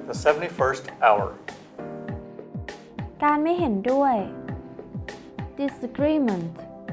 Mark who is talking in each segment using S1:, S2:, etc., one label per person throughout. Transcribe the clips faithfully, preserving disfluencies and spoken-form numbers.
S1: the seventy-first hour
S2: การไม่เห็นด้วย disagreement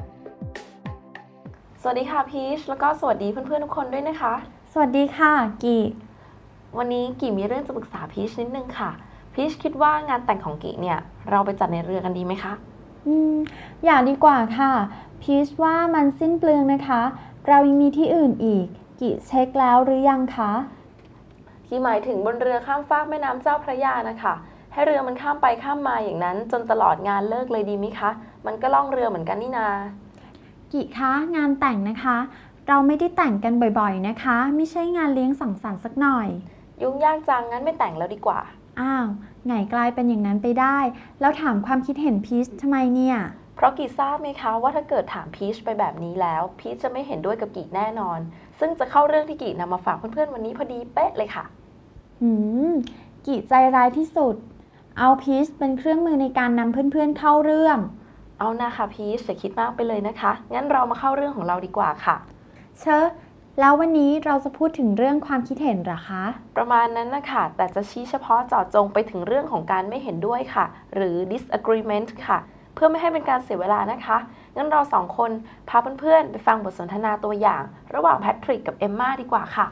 S3: สวัสดีค่ะพีชแล้วก็สวัสดีเพื่อนๆทุกคนด้วยนะคะ
S2: สวัสดีค่ะกี
S3: วันนี้กีมีเรื่องจะปรึกษาพีชนิดนึงค่ะพีชคิดว่างานแต่งของกีเนี่ยเราไปจัดในเรือกันดีไหมคะ
S2: อืมอย่าดีกว่าค่ะพีชว่ามันสิ้นเปลืองนะคะเรายังมีที่อื่นอีกกีเช็คแล้วหรือยังคะ
S3: กีหมายถึงบนเรือข้ามฟากแม่น้ำเจ้าพระยานะคะให้เรือมันข้ามไปข้ามมาอย่างนั้นจนตลอดงานเลิกเลยดีไหมคะมันก็ล่องเรือเหมือนกันนี่นา
S2: กีคะงานแต่งนะคะเราไม่ได้แต่งกันบ่อยๆนะคะไม่ใช่งานเลี้ยงสังสรรค์สักหน่อย
S3: ยุ่งยากจังงั้นไม่แต่งแล้วดีกว่า
S2: อ้าวไงกลายเป็นอย่างนั้นไปได้แล้วถามความคิดเห็นพีชทำไมเนี่ย
S3: เพราะกีทราบไหมคะว่าถ้าเกิดถามพีชไปแบบนี้แล้วพีชจะไม่เห็นด้วยกับกีแน่นอนซึ่งจะเข้าเรื่องที่กีนำมาฝากเพื่อนๆวันนี้พอดีเป๊ะเลยค่ะ
S2: หืมกีใจร้ายที่สุดเอาพีชเป็นเครื่องมือในการนำเพื่อนๆเข้าเรื่อง
S3: เอานะคะพีชอย่าคิดมากไปเลยนะคะงั้นเรามาเข้าเรื่องของเราดีกว่าค่ะ
S2: เชอะแล้ววันนี้เราจะพูดถึงเรื่องความคิดเห็นหรอคะ
S3: ประมาณนั้นนะคะแต่จะชี้เฉพาะเจาะจงไปถึงเรื่องของการไม่เห็นด้วยค่ะหรือ disagreement ค่ะเพื่อไม่ให้เป็นการเสียเวลานะคะงั้นเราสองคนพาเพื่อนๆไปฟังบทสนทนาตัวอย่างระหว่างแพทริกกับเอมม่าดีกว่าค่ะ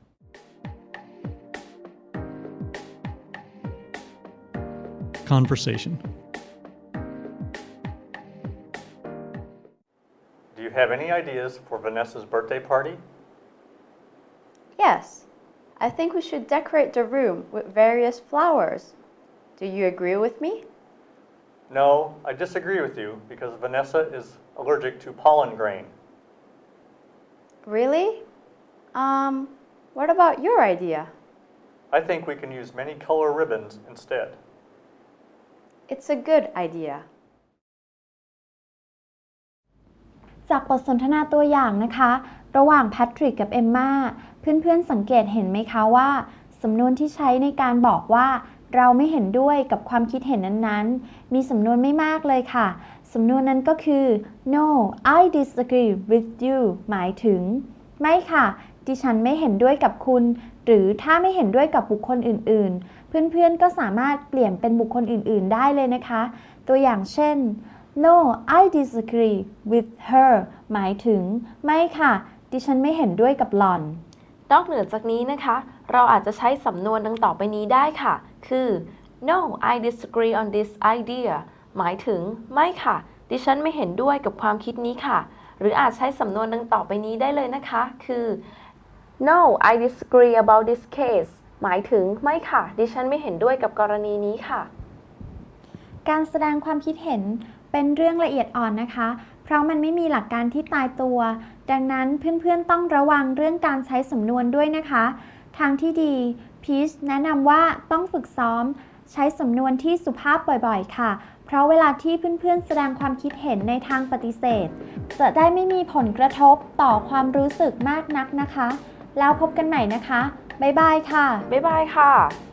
S4: Conversation.
S1: Do you have any ideas for Vanessa's birthday party?
S5: Yes, I think we should decorate the room with various flowers. Do you agree with me?
S1: No, I disagree with you because Vanessa is allergic to pollen grain.
S5: Really? Um, what about your idea?
S1: I think we can use many color ribbons instead.
S5: It's a good idea.
S2: จากบทสนทนาตัวอย่างนะคะระหว่างแพทริกกับเอมม่าเพื่อนๆสังเกตเห็นไหมคะว่าสำนวนที่ใช้ในการบอกว่าเราไม่เห็นด้วยกับความคิดเห็นนั้นๆมีสำนวนไม่มากเลยค่ะสำนวนนั้นก็คือ no I disagree with you หมายถึงไม่ค่ะดิฉันไม่เห็นด้วยกับคุณหรือถ้าไม่เห็นด้วยกับบุคคลอื่นๆเพื่อนๆก็สามารถเปลี่ยนเป็นบุคคลอื่นๆได้เลยนะคะตัวอย่างเช่น no I disagree with her หมายถึงไม่ค่ะดิฉันไม่เห็นด้วยกับหล่อน
S3: นอกเหนือจากนี้นะคะเราอาจจะใช้สำนวนดังต่อไปนี้ได้ค่ะคือ no I disagree on this idea หมายถึงไม่ค่ะดิฉันไม่เห็นด้วยกับความคิดนี้ค่ะหรืออาจใช้สำนวนดังต่อไปนี้ได้เลยนะคะคือ no I disagree about this case หมายถึงไม่ค่ะดิฉันไม่เห็นด้วยกับกรณีนี้ค่ะ
S2: การแสดงความคิดเห็นเป็นเรื่องละเอียดอ่อนนะคะเพราะมันไม่มีหลักการที่ตายตัวดังนั้นเพื่อนๆต้องระวังเรื่องการใช้สำนวนด้วยนะคะทางที่ดีพีชแนะนำว่าต้องฝึกซ้อมใช้สำนวนที่สุภาพบ่อยๆค่ะเพราะเวลาที่เพื่อนๆแสดงความคิดเห็นในทางปฏิเสธจะได้ไม่มีผลกระทบต่อความรู้สึกมากนักนะคะแล้วพบกันใหม่นะคะบ๊ายบายค่ะ
S3: บ๊ายบายค่ะ